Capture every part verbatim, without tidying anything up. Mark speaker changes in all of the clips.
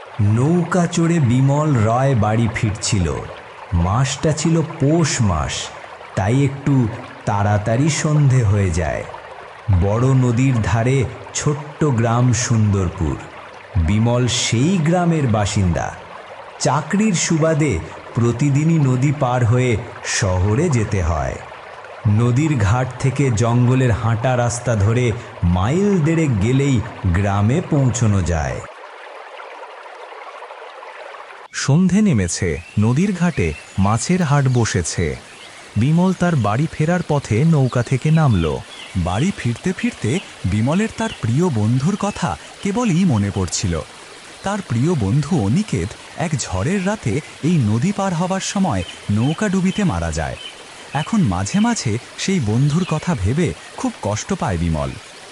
Speaker 1: নৌকা চড়ে বিমল রায় বাড়ি ফিরছিল। মাসটা ছিল পৌষ মাস, তাই একটু তাড়াতাড়ি সন্ধে হয়ে যায়। বড় নদীর ধারে ছোট্ট গ্রাম সুন্দরপুর। বিমল সেই গ্রামের বাসিন্দা। চাকরির সুবাদে প্রতিদিনই নদী পার হয়ে শহরে যেতে হয়। নদীর ঘাট থেকে জঙ্গলের হাঁটা রাস্তা ধরে মাইল দেড়েক গেলেই গ্রামে পৌঁছানো যায়।
Speaker 2: সন্ধে নেমেছে, নদীর ঘাটে মাছের হাট বসেছে। বিমল তার বাড়ি ফেরার পথে নৌকা থেকে নামল। বাড়ি ফিরতে ফিরতে বিমলের তার প্রিয় বন্ধুর কথা কেবলই মনে পড়ছিল। তার প্রিয় বন্ধু অনিকেত এক ঝড়ের রাতে এই নদী পার হবার সময় নৌকা ডুবিতে মারা যায়। এখন মাঝে মাঝে সেই বন্ধুর কথা ভেবে খুব কষ্ট পায় বিমল।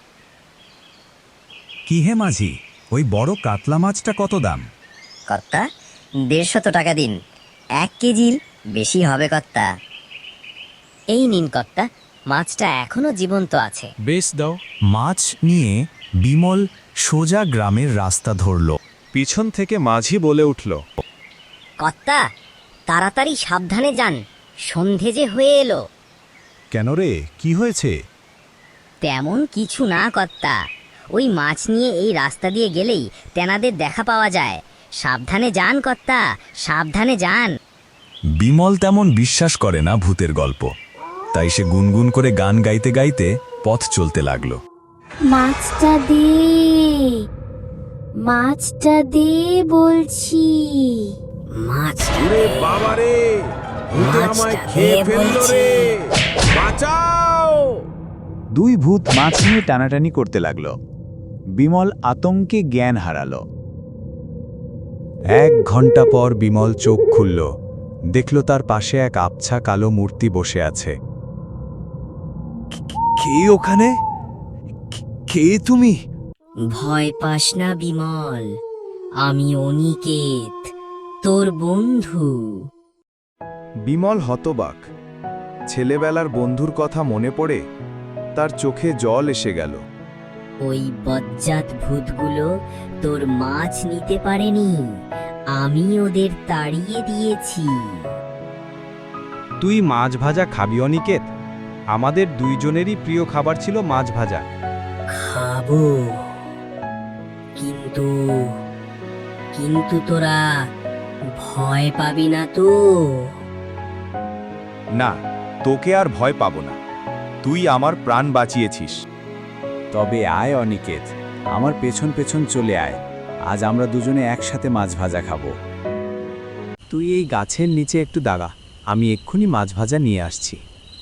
Speaker 2: কি হে মাঝি, ওই বড় কাতলা মাছটা কত দাম?
Speaker 3: কর্তা, দেড়শত টাকা দিন। এক কেজির বেশি হবে কর্তা। এই নিন কর্তা, মাছটা এখনো জীবন্ত আছে।
Speaker 2: বেশ দাও। মাছ নিয়ে বিমল সোজা গ্রামের রাস্তা ধরল।
Speaker 4: পিছন থেকে মাঝি বলে উঠল,
Speaker 3: কর্তা, তাড়াতাড়ি সাবধানে যান, সন্ধে যে হয়ে এলো।
Speaker 4: কেন রে, কি হয়েছে?
Speaker 3: তেমন কিছু না কর্তা, ওই মাছ নিয়ে এই রাস্তা দিয়ে গেলেই তেনাদের দেখা পাওয়া যায়। সাবধানে যান কর্তা, সাবধানে যান।
Speaker 2: বিমল তেমন বিশ্বাস করে না ভূতের গল্প, তাই সে গুনগুন করে গান গাইতে গাইতে পথ চলতে লাগলো।
Speaker 5: মাছটা দে, মাছটা দে বলছি।
Speaker 3: মাছ
Speaker 4: ওরে বাবা রে, ভূতে আমায় খেয়ে ফেললো রে, বাঁচাও!
Speaker 6: দুই ভূত মাছ নিয়ে টানাটানি করতে লাগলো। বিমল আতঙ্কে জ্ঞান হারালো।
Speaker 2: এক ঘন্টা পর বিমল চোখ খুলল, দেখল তার পাশে এক আবছা কালো মূর্তি বসে আছে।
Speaker 4: কে ওখানে? কে তুমি?
Speaker 3: ভয় পাস না বিমল, আমি অনিকেত, তোর বন্ধু।
Speaker 4: বিমল হতবাক। ছেলেবেলার বন্ধুর কথা মনে পড়ে তার চোখে জল এসে গেল।
Speaker 3: ওই বজ্জাত ভূতগুলো তোর মাছ নিতে পারেনি, আমি ওদের তাড়িয়ে দিয়েছি।
Speaker 4: তুই মাছ ভাজা খাবি অনিকেত? আমাদের দুইজনেরই প্রিয় খাবার ছিল মাছ ভাজা।
Speaker 3: খাবো, কিন্তু কিন্তু তোরা ভয় পাবি না তো?
Speaker 4: না, তোকে আর ভয় পাবো না। তুই আমার প্রাণ বাঁচিয়েছিস।
Speaker 6: তবে আয় অনিকেত, আমার পেছন পেছন চলে আয়। আজ আমরা দুজনে একসাথে মাছ ভাজা খাবো। তুই এই গাছের নিচে একটু দাঁড়া, আমি এক্ষুনি মাছ ভাজা নিয়ে আসছি।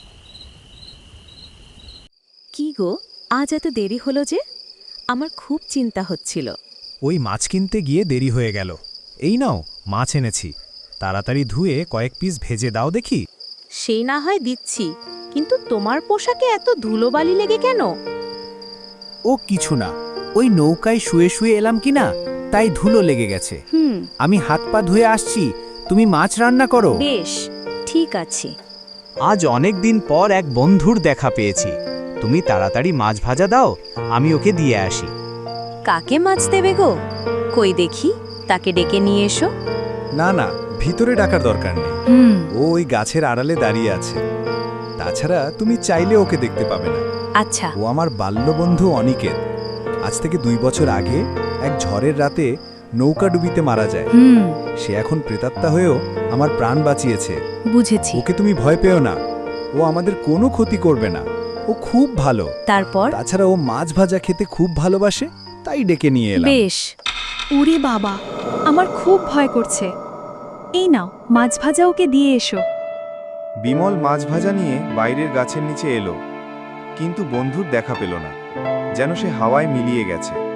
Speaker 7: কি গো, আজ এত দেরি হলো যে? আমার খুব চিন্তা হচ্ছিল।
Speaker 2: ওই মাছ কিনতে গিয়ে দেরি হয়ে গেল। এই নাও, মাছ এনেছি। তাড়াতাড়ি ধুয়ে কয়েক পিস ভেজে দাও দেখি।
Speaker 7: সেই না হয় দিচ্ছি, কিন্তু তোমার পোশাকে এত ধুলোবালি লেগে কেন?
Speaker 6: ও কিছু না, ওই নৌকায় শুয়ে শুয়ে এলাম কি না, তাই ধুলো লেগে গেছে।
Speaker 7: হুম,
Speaker 6: আমি হাত পা ধুয়ে আসছি, তুমি মাছ রান্না করো।
Speaker 7: বেশ, ঠিক আছে।
Speaker 6: আজ অনেক দিন পর এক বন্ধুর দেখা পেয়েছি। তুমি তাড়াতাড়ি মাছ ভাজা দাও, আমি ওকে দিয়ে আসি।
Speaker 7: কাকে মাছ দেবে গো? কই দেখি, তাকে ডেকে নিয়ে এসো।
Speaker 4: না না, ভিতরে ডাকার দরকার নেই।
Speaker 7: হুম,
Speaker 4: ও ওই গাছের আড়ালে দাঁড়িয়ে আছে। তাছাড়া তুমি চাইলে ওকে দেখতে পাবে না।
Speaker 7: আচ্ছা।
Speaker 4: ও আমার বাল্যবন্ধু অনিকেত। আজ থেকে দুই বছর আগে এক ঝড়ের রাতে নৌকা ডুবিতে মারা যায়।
Speaker 7: হুম,
Speaker 4: সে এখন প্রেতাত্মা হয়েও আমার প্রাণ বাঁচিয়েছে।
Speaker 7: বুঝেছি।
Speaker 4: ওকে তুমি ভয় পেও না, ও আমাদের কোনো ক্ষতি করবে না। ও খুব ভালো।
Speaker 7: তারপর?
Speaker 4: তাছাড়া ও মাছ ভাজা খেতে খুব ভালোবাসে, তাই ডেকে নিয়ে এলাম।
Speaker 7: বেশ।
Speaker 8: ওরে বাবা, আমার খুব ভয় করছে। এই নাও, মাছ ভাজা ওকে দিয়ে এসো।
Speaker 4: বিমল মাছ ভাজা নিয়ে বাইরের গাছের নিচে এলো, কিন্তু বন্ধুর দেখা পেল না। যেন সে হাওয়ায় মিলিয়ে গেছে।